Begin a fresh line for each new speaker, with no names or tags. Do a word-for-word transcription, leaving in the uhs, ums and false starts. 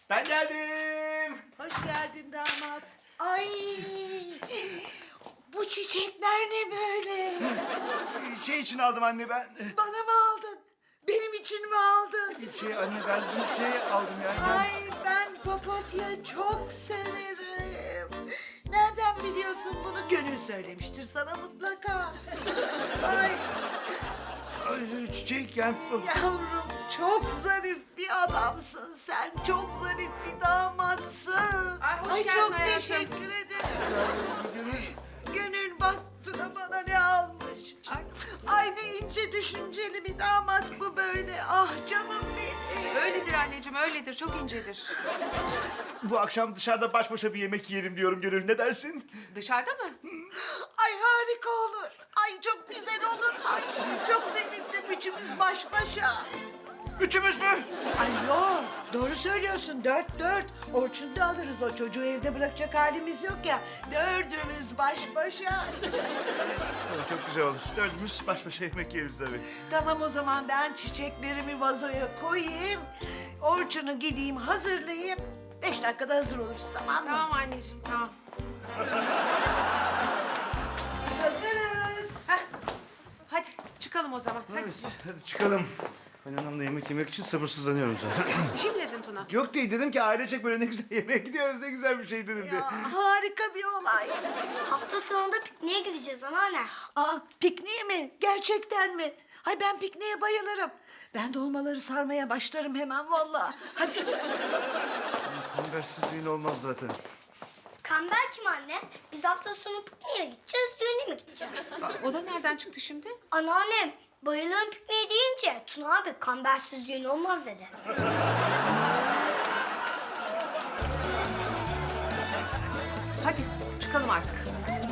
Ben geldim.
Hoş geldin damat. Ay, bu çiçekler ne böyle?
Şey için aldım anne ben.
Bana mı aldın? Benim için mi aldın?
Şey anne ben bu şey aldım yani.
Ay, ben papatya çok severim. Nereden biliyorsun bunu? Gönül söylemiştir sana mutlaka. Ay,
Ay, çiçek yani.
yavrum çok zarif bir adamsın sen. Çok zarif bir damatsın.
Ay, hoş geldin
çok
hayatım.
teşekkür ederim. Gönül bak Tuna bana ne almış.
Ay.
Ay ne ince düşünceli bir damat bu böyle. Ah canım benim.
Öyledir anneciğim, öyledir. Çok incedir.
Bu akşam dışarıda baş başa bir yemek yiyelim diyorum Gönül. Ne dersin?
Dışarıda mı?
Ay harika olur. Ay çok güzel olur. Ay çok sevindim üçümüz baş başa.
Üçümüz mü?
Ay yok doğru söylüyorsun dört dört. Orçun'u da alırız o çocuğu evde bırakacak halimiz yok ya. Dördümüz baş başa.
Evet, çok güzel olur. Dördümüz baş başa yemek yeriz tabii.
Tamam o zaman ben çiçeklerimi vazoya koyayım. Orçun'u gideyim hazırlayayım. Beş dakikada hazır oluruz tamam mı?
Tamam anneciğim, tamam.
Hazırız.
Heh. Hadi çıkalım o zaman. Hadi.
Evet, hadi çıkalım. Ben anamla yemek yemek için sabırsızlanıyorum zaten.
Bir şey mi dedin Tuna?
Yok değil dedim ki ailecek böyle ne güzel yemeğe gidiyoruz ne güzel bir şey dedim de.
Ya, harika bir olay.
Hafta sonunda pikniğe gideceğiz anneanne.
Aa, pikniğe mi? Gerçekten mi? Hay ben pikniğe bayılırım. Ben dolmaları sarmaya başlarım hemen vallahi. Hadi.
Kambersiz düğün olmaz zaten.
Kamber kim anne? Biz hafta sonu pikniğe gideceğiz, düğüne mi gideceğiz?
O da nereden çıktı şimdi?
Anneannem bayılırım pikniğe deyince Tuna abi kambersiz düğün olmaz dedi.
Hadi çıkalım artık.